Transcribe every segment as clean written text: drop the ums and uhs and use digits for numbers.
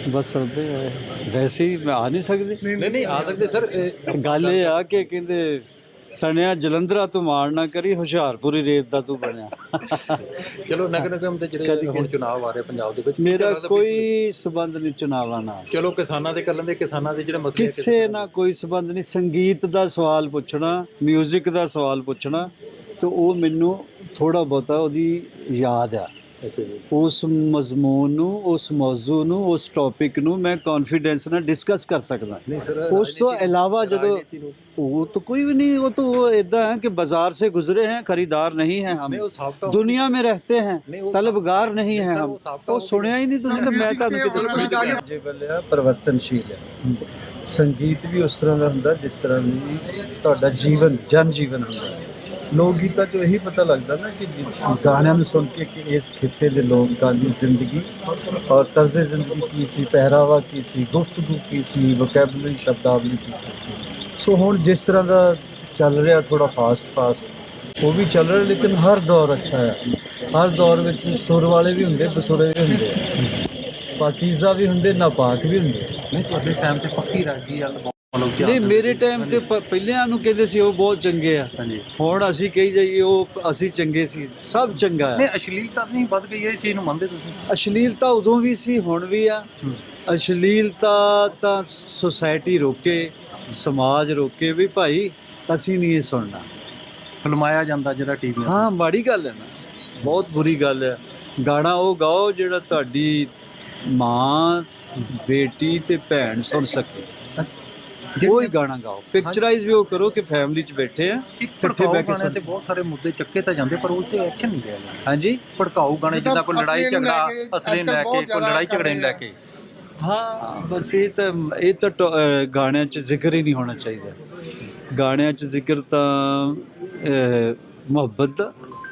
ਬਸ ਸਕਦੇ ਆ ਵੈਸੇ ਹੀ ਆ ਨਹੀਂ ਸਕਦੇ। ਨਹੀਂ ਆ ਸਕਦੇ ਸਰ। ਗੱਲ ਇਹ ਆ ਕਿ ਕਹਿੰਦੇ ਤਣਿਆ ਜਲੰਧਰਾ ਤੂੰ ਮਾਣ ਨਾ ਕਰੀ, ਹੁਸ਼ਿਆਰਪੁਰੀ ਰੇਤ ਦਾ ਤੂੰ ਬਣਿਆ। ਚਲੋ ਨਗਰ ਨਿਗਮ ਦੇ ਜਿਹੜੇ ਹੁਣ ਚੁਣਾਵ ਆ ਰਹੇ ਪੰਜਾਬ ਦੇ ਵਿੱਚ, ਮੇਰਾ ਕੋਈ ਸਬੰਧ ਨਹੀਂ ਚੁਣਾਵਾਂ ਨਾਲ। ਚਲੋ ਕਿਸਾਨਾਂ ਦੇ ਕਰ ਲੈਂਦੇ, ਕਿਸਾਨਾਂ ਦੇ ਜਿਹੜੇ ਮਸਲੇ ਕਿਸੇ ਨਾਲ ਕੋਈ ਸਬੰਧ ਨਹੀਂ। ਸੰਗੀਤ ਦਾ ਸਵਾਲ ਪੁੱਛਣਾ, ਮਿਊਜ਼ਿਕ ਦਾ ਸਵਾਲ ਪੁੱਛਣਾ, ਤੇ ਉਹ ਮੈਨੂੰ ਥੋੜਾ ਬਹੁਤਾ ਉਹਦੀ ਯਾਦ ਆ। ਅੱਛਾ ਜੀ। ਉਸ ਮਜ਼ਮੂਨ ਨੂੰ, ਉਸ ਮੌਜੂ ਨੂੰ, ਉਸ ਟੌਪਿਕ ਨੂੰ ਮੈਂ ਕੌਨਫੀਡੈਂਸ ਨਾਲ ਡਿਸਕਸ ਕਰ ਸਕਦਾ। ਨਹੀਂ ਸਰ, ਉਸ ਤੋਂ ਇਲਾਵਾ ਜਦੋਂ वो तो कोई भी नहीं, वो तो इदा है कि बाजार से गुजरे हैं, खरीदार नहीं है हम, दुनिया में रहते हैं, तलबगार नहीं है हम। वो सुनिया ही नहीं तुसीं तो मैं ਤੁਹਾਨੂੰ ਕੀ ਦੱਸਾਂ। ਜੇ ਬੱਲਿਆ ਪਰਿਵਰਤਨਸ਼ੀਲ ਹੈ। ਸੰਗੀਤ ਵੀ ਉਸ ਤਰ੍ਹਾਂ ਦਾ ਹੁੰਦਾ ਜਿਸ ਤਰ੍ਹਾਂ ਦੀ ਤੁਹਾਡਾ ਜੀਵਨ, ਜਨ ਜੀਵਨ ਹੁੰਦਾ। ਲੋਕ ਗੀਤਾਂ 'ਚੋਂ ਇਹੀ ਪਤਾ ਲੱਗਦਾ ਨਾ ਕਿ ਗਾਣਿਆਂ ਨੂੰ ਸੁਣ ਕੇ ਕਿ ਇਸ ਖਿੱਤੇ ਦੇ ਲੋਕਾਂ ਦੀ ਜ਼ਿੰਦਗੀ ਔਰ ਤਰਜ਼ ਜ਼ਿੰਦਗੀ ਕੀ ਸੀ, ਪਹਿਰਾਵਾ ਕੀ ਸੀ, ਗੁਫ਼ਤਗੂ ਕੀ ਸੀ, ਵੋਕੈਬਲਰੀ, ਸ਼ਬਦਾਵਲੀ ਕੀ ਸੀ। ਸੋ ਹੁਣ ਜਿਸ ਤਰ੍ਹਾਂ ਦਾ ਚੱਲ ਰਿਹਾ ਥੋੜਾ ਫਾਸਟ ਉਹ ਵੀ ਚੱਲ ਰਿਹਾ, ਲੇਕਿਨ ਹਰ ਦੌਰ ਅੱਛਾ ਹੈ। ਹਰ ਦੌਰ ਵਿੱਚ ਸੁਰ ਵਾਲੇ ਵੀ ਹੁੰਦੇ, ਬਸੁਰੇ ਵੀ ਹੁੰਦੇ, ਪਾਕੀਜ਼ਾ ਵੀ ਹੁੰਦੇ, ਨਾਪਾਕ ਵੀ ਹੁੰਦੇ। ਨਹੀਂ ਤੁਹਾਡੇ ਟਾਈਮ ਤੇ ਪੱਕੀ ਰਾਗੀ ਆ? ਨਹੀਂ, ਮੇਰੇ ਟਾਈਮ ਤੇ ਪਹਿਲਿਆਂ ਨੂੰ ਕਹਿੰਦੇ ਸੀ ਉਹ ਬਹੁਤ ਚੰਗੇ ਆ। ਹੁਣ ਅਸੀਂ ਕਹੀ ਜਾਈਏ ਉਹ ਅਸੀਂ ਚੰਗੇ ਸੀ, ਸਭ ਚੰਗਾ ਹੈ। ਨਹੀਂ ਅਸ਼ਲੀਲਤਾ ਨਹੀਂ ਵੱਧ ਗਈ ਹੈ, ਇਸ ਚੀਜ਼ ਨੂੰ ਮੰਨਦੇ ਤੁਸੀਂ? ਅਸ਼ਲੀਲਤਾ ਉਦੋਂ ਵੀ ਸੀ, ਹੁਣ ਵੀ ਆ। ਅਸ਼ਲੀਲਤਾ ਤਾਂ ਸੁਸਾਇਟੀ ਰੋਕੇ, ਸਮਾਜ ਰੋਕੇ ਵੀ ਭਾਈ ਅਸੀਂ ਨਹੀਂ ਇਹ ਸੁਣਨਾ। ਫਿਲਮਾਇਆ ਜਾਂਦਾ ਜਿਹੜਾ ਟੀਵੀ। ਹਾਂ, ਮਾੜੀ ਗੱਲ ਹੈ ਨਾ, ਬਹੁਤ ਬੁਰੀ ਗੱਲ ਹੈ। ਗਾਣਾ ਉਹ ਗਾਓ ਜਿਹੜਾ ਤੁਹਾਡੀ ਮਾਂ, ਬੇਟੀ ਤੇ ਭੈਣ ਸੁਣ ਸਕੇ, ਕੋਈ ਗਾਣਾ ਗਾਓ। ਪਿਕਚਰਾਈਜ਼ ਵੀ ਉਹ ਕਰੋ ਕਿ ਫੈਮਿਲੀ 'ਚ ਬੈਠੇ ਆ, ਇਕੱਠੇ ਬਹਿ ਕੇ। ਤੇ ਬਹੁਤ ਸਾਰੇ ਮੁੱਦੇ ਚੱਕੇ ਤਾਂ ਜਾਂਦੇ ਪਰ ਉਹ ਤੇ ਐਕਸ਼ਨ ਨਹੀਂ ਲਿਆ ਜਾਂਦਾ। ਹਾਂਜੀ, ਭੜਕਾਊ ਗਾਣੇ ਜਿੱਦਾਂ ਕੋਈ ਲੜਾਈ ਝਗੜਾ ਅਸਲੇ ਨੂੰ ਲੈ ਕੇ, ਕੋਈ ਲੜਾਈ ਝਗੜੇ ਨੂੰ ਲੈ ਕੇ। ਹਾਂ ਬਸ ਇਹ ਤਾਂ ਗਾਣਿਆਂ 'ਚ ਜ਼ਿਕਰ ਹੀ ਨਹੀਂ ਹੋਣਾ ਚਾਹੀਦਾ। ਗਾਣਿਆਂ 'ਚ ਜ਼ਿਕਰ ਤਾਂ ਮੁਹੱਬਤ ਦਾ,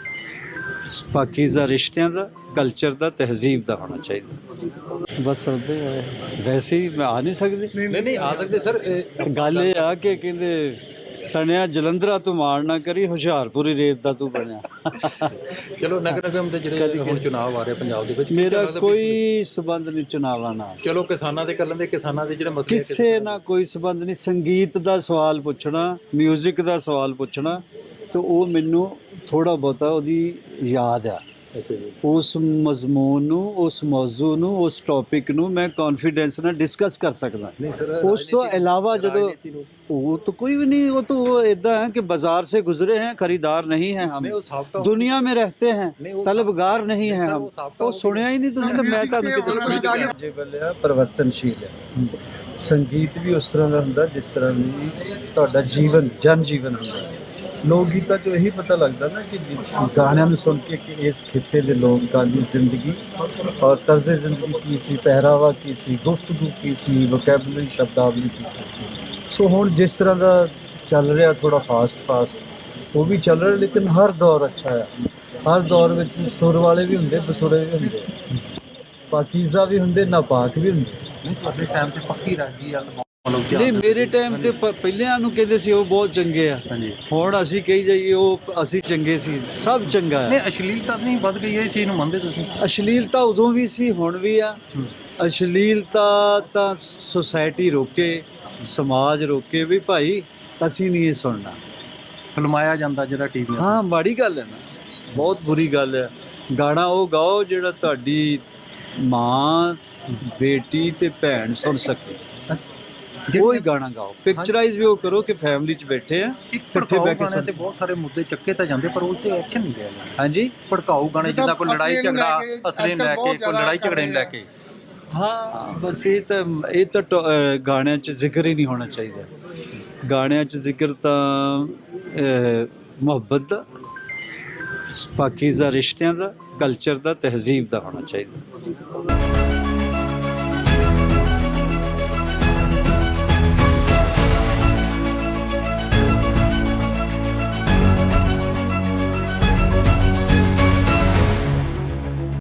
ਪਾਕੀਜ਼ਾ ਰਿਸ਼ਤਿਆਂ ਦਾ, ਕਲਚਰ ਦਾ, ਤਹਿਜ਼ੀਬ ਦਾ ਹੋਣਾ ਚਾਹੀਦਾ। ਬਸ ਸਕਦੇ ਆ ਵੈਸੇ ਹੀ ਆ ਨਹੀਂ ਸਕਦੇ। ਨਹੀਂ ਆ ਸਕਦੇ ਸਰ। ਗੱਲ ਇਹ ਆ ਕਿ ਕਹਿੰਦੇ ਤਣਿਆ ਜਲੰਧਰਾ ਤੂੰ ਮਾਣ ਨਾ ਕਰੀ, ਹੁਸ਼ਿਆਰਪੁਰੀ ਰੇਤ ਦਾ ਤੂੰ ਬਣਿਆ। ਚਲੋ ਨਗਰ ਨਿਗਮ ਦੇ ਜਿਹੜੇ ਹੁਣ ਚੁਣਾਵ ਆ ਰਹੇ ਪੰਜਾਬ ਦੇ ਵਿੱਚ, ਮੇਰਾ ਕੋਈ ਸਬੰਧ ਨਹੀਂ ਚੁਣਾਵਾਂ ਨਾਲ। ਚਲੋ ਕਿਸਾਨਾਂ ਦੇ ਕਰ ਲੈਂਦੇ, ਕਿਸਾਨਾਂ ਦੇ ਜਿਹੜੇ ਮਸਲੇ ਕਿਸੇ ਨਾਲ ਕੋਈ ਸਬੰਧ ਨਹੀਂ। ਸੰਗੀਤ ਦਾ ਸਵਾਲ ਪੁੱਛਣਾ, ਮਿਊਜ਼ਿਕ ਦਾ ਸਵਾਲ ਪੁੱਛਣਾ, ਤੇ ਉਹ ਮੈਨੂੰ ਥੋੜਾ ਬਹੁਤਾ ਉਹਦੀ ਯਾਦ ਆ। ਅੱਛਾ ਜੀ। ਉਸ ਮਜ਼ਮੂਨ ਨੂੰ, ਉਸ ਮੌਜੂ ਨੂੰ, ਉਸ ਟੌਪਿਕ ਨੂੰ ਮੈਂ ਕੌਨਫੀਡੈਂਸ ਨਾਲ ਡਿਸਕਸ ਕਰ ਸਕਦਾ। ਨਹੀਂ ਸਰ, ਉਸ ਤੋਂ ਇਲਾਵਾ ਜਦੋਂ वो तो कोई भी नहीं, वो तो इदा है कि बाजार से गुजरे हैं, खरीदार नहीं है हम, दुनिया में रहते हैं, तलबगार नहीं है हम। वो सुनिया ही नहीं तुसीं तो मैं ਤੁਹਾਨੂੰ ਕੀ ਦੱਸਾਂ। ਜੇ ਬੱਲਿਆ ਪਰਿਵਰਤਨਸ਼ੀਲ ਹੈ। ਸੰਗੀਤ ਵੀ ਉਸ ਤਰ੍ਹਾਂ ਦਾ ਹੁੰਦਾ ਜਿਸ ਤਰ੍ਹਾਂ ਦੀ ਤੁਹਾਡਾ ਜੀਵਨ, ਜਨ ਜੀਵਨ ਹੁੰਦਾ। ਲੋਕ ਗੀਤਾਂ 'ਚੋਂ ਇਹੀ ਪਤਾ ਲੱਗਦਾ ਨਾ ਕਿ ਗਾਣਿਆਂ ਨੂੰ ਸੁਣ ਕੇ ਕਿ ਇਸ ਖਿੱਤੇ ਦੇ ਲੋਕਾਂ ਦੀ ਜ਼ਿੰਦਗੀ ਔਰ ਤਰਜ਼ ਜ਼ਿੰਦਗੀ ਕੀ ਸੀ, ਪਹਿਰਾਵਾ ਕੀ ਸੀ, ਗੁਫ਼ਤਗੂ ਕੀ ਸੀ, ਵੋਕੈਬਲਰੀ, ਸ਼ਬਦਾਵਲੀ ਕੀ ਸੀ। ਸੋ ਹੁਣ ਜਿਸ ਤਰ੍ਹਾਂ ਦਾ ਚੱਲ ਰਿਹਾ ਥੋੜਾ ਫਾਸਟ ਉਹ ਵੀ ਚੱਲ ਰਿਹਾ, ਲੇਕਿਨ ਹਰ ਦੌਰ ਅੱਛਾ ਹੈ। ਹਰ ਦੌਰ ਵਿੱਚ ਸੁਰ ਵਾਲੇ ਵੀ ਹੁੰਦੇ, ਬਸੁਰੇ ਵੀ ਹੁੰਦੇ, ਪਾਕੀਜ਼ਾ ਵੀ ਹੁੰਦੇ, ਨਾਪਾਕ ਵੀ ਹੁੰਦੇ। ਨਹੀਂ ਤੁਹਾਡੇ ਟਾਈਮ ਤੇ ਪੱਕੀ ਰਾਗੀ ਆ? ਨਹੀਂ, ਮੇਰੇ ਟਾਈਮ ਤੇ ਪਹਿਲਿਆਂ ਨੂੰ ਕਹਿੰਦੇ ਸੀ ਉਹ ਬਹੁਤ ਚੰਗੇ ਆ। ਹੁਣ ਅਸੀਂ ਕਹੀ ਜਾਈਏ ਉਹ ਅਸੀਂ ਚੰਗੇ ਸੀ, ਸਭ ਚੰਗਾ ਹੈ। ਨਹੀਂ ਅਸ਼ਲੀਲਤਾ ਨਹੀਂ ਵੱਧ ਗਈ ਹੈ, ਇਸ ਚੀਜ਼ ਨੂੰ ਮੰਨਦੇ ਤੁਸੀਂ? ਅਸ਼ਲੀਲਤਾ ਉਦੋਂ ਵੀ ਸੀ, ਹੁਣ ਵੀ ਆ। ਅਸ਼ਲੀਲਤਾ ਤਾਂ ਸੁਸਾਇਟੀ ਰੋਕੇ, ਸਮਾਜ ਰੋਕੇ ਵੀ ਭਾਈ ਅਸੀਂ ਨਹੀਂ ਇਹ ਸੁਣਨਾ। ਫਿਲਮਾਇਆ ਜਾਂਦਾ ਜਿਹੜਾ ਟੀਵੀ। ਹਾਂ, ਮਾੜੀ ਗੱਲ ਹੈ ਨਾ, ਬਹੁਤ ਬੁਰੀ ਗੱਲ ਹੈ। ਗਾਣਾ ਉਹ ਗਾਓ ਜਿਹੜਾ ਤੁਹਾਡੀ ਮਾਂ, ਬੇਟੀ ਤੇ ਭੈਣ ਸੁਣ ਸਕੇ, ਕੋਈ ਗਾਣਾ ਗਾਓ। ਪਿਕਚਰਾਈਜ਼ ਵੀ ਉਹ ਕਰੋ ਕਿ ਫੈਮਿਲੀ 'ਚ ਬੈਠੇ ਆ, ਇਕੱਠੇ ਬਹਿ ਕੇ। ਤੇ ਬਹੁਤ ਸਾਰੇ ਮੁੱਦੇ ਚੱਕੇ ਤਾਂ ਜਾਂਦੇ ਪਰ ਉਹ ਤੇ ਐਕਸ਼ਨ ਨਹੀਂ ਲਿਆ ਜਾਂਦਾ। ਹਾਂਜੀ, ਭੜਕਾਊ ਗਾਣੇ ਜਿੱਦਾਂ ਕੋਈ ਲੜਾਈ ਝਗੜਾ ਅਸਲੇ ਨੂੰ ਲੈ ਕੇ, ਕੋਈ ਲੜਾਈ ਝਗੜੇ ਨੂੰ ਲੈ ਕੇ। ਹਾਂ ਬਸ ਇਹ ਤਾਂ ਗਾਣਿਆਂ 'ਚ ਜ਼ਿਕਰ ਹੀ ਨਹੀਂ ਹੋਣਾ ਚਾਹੀਦਾ। ਗਾਣਿਆਂ 'ਚ ਜ਼ਿਕਰ ਤਾਂ ਮੁਹੱਬਤ ਦਾ, ਪਾਕੀਜ਼ਾ ਰਿਸ਼ਤਿਆਂ ਦਾ, ਕਲਚਰ ਦਾ, ਤਹਿਜ਼ੀਬ ਦਾ ਹੋਣਾ ਚਾਹੀਦਾ।